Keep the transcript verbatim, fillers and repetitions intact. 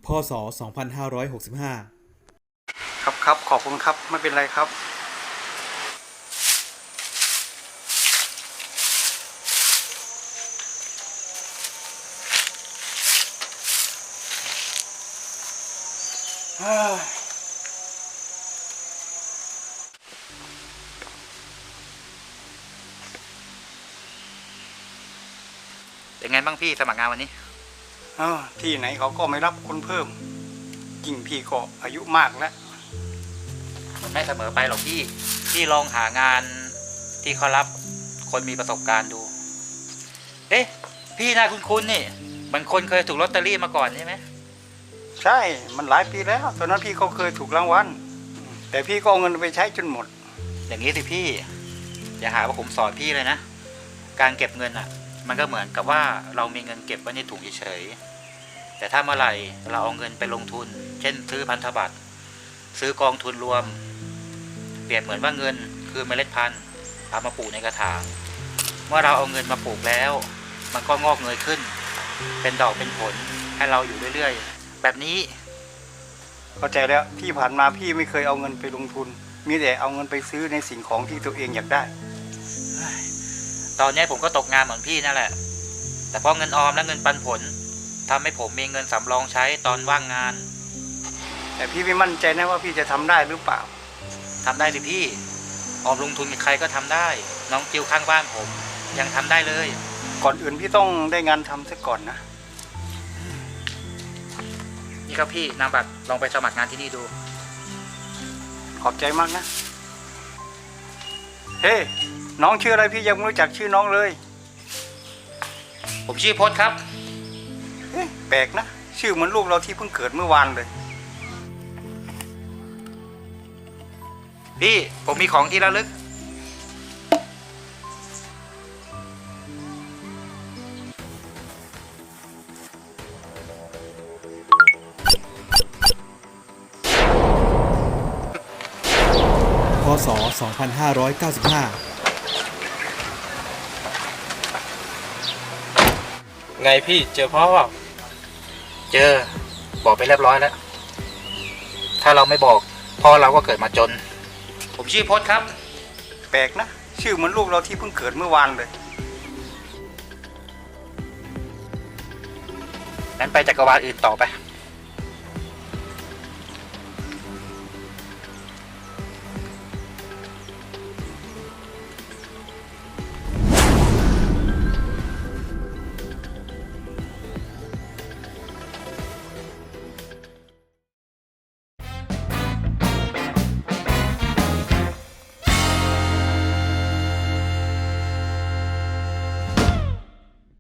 พ.ศ. สองพันห้าร้อยหกสิบห้าครับครับขอบคุณครับไม่เป็นไรครับเป็นไงบ้างพี่สมัครงานวันนี้เออที่ไหนเขาก็ไม่รับคนเพิ่มยิ่งพี่ก็อายุมากแล้วมันไม่เสมอไปหรอกพี่พี่ลองหางานที่เขารับคนมีประสบการณ์ดูเอ๊ะพี่น่าคุ้นๆนี่มันคนเคยถูกลอตเตอรี่มาก่อนใช่ไหมใช่มันหลายปีแล้วตอนนั้นพี่ก็เคยถูกรางวัลแต่พี่ก็เอาเงินไปใช้จนหมดอย่างนี้สิพี่อย่าหาว่าผมสอนพี่เลยนะการเก็บเงินอ่ะมันก็เหมือนกับว่าเรามีเงินเก็บไว้ในถุงเฉยๆแต่ถ้าเมื่อไหร่เราเอาเงินไปลงทุนเช่นซื้อพันธบัตรซื้อกองทุนรวมเปรียบเหมือนว่าเงินคือเมล็ดพันธุ์เอามาปลูกในกระถางเมื่อเราเอาเงินมาปลูกแล้วมันก็งอกเงยขึ้นเป็นดอกเป็นผลให้เราอยู่เรื่อยๆแบบนี้เข้าใจแล้วที่ผ่านมาพี่ไม่เคยเอาเงินไปลงทุนมีแต่เอาเงินไปซื้อในสิ่งของที่ตัวเองอยากได้ตอนนี้ผมก็ตกงานเหมือนพี่นั่นแหละแต่เพราะเงินออมและเงินปันผลทำให้ผมมีเงินสำรองใช้ตอนว่างงานแต่พี่ไม่มั่นใจนะว่าพี่จะทำได้หรือเปล่าทำได้สิพี่ออมลงทุนกับใครก็ทำได้น้องจิวข้างบ้านผมยังทำได้เลยก่อนอื่นพี่ต้องได้งานทำซะก่อนนะนี่ครับพี่นามบัตรลองไปสมัครงานที่นี่ดูขอบใจมากนะเฮ้ hey, น้องชื่ออะไรพี่ยังไม่รู้จักชื่อน้องเลยผมชื่อพจน์ครับเอ๊ะแปลกนะชื่อเหมือนลูกเราที่เพิ่งเกิดเมื่อวานเลยพี่ผมมีของที่ระลึกพ.ศ. สองพันห้าร้อยเก้าสิบห้าไงพี่เจอพ่อเปล่าเจอบอกไปเรียบร้อยแล้วถ้าเราไม่บอกพ่อเราก็เกิดมาจนผมชื่อพจน์ครับแปลกนะชื่อเหมือนลูกเราที่เพิ่งเกิดเมื่อวานเลยงั้นไปจักรวาลอื่นต่อไป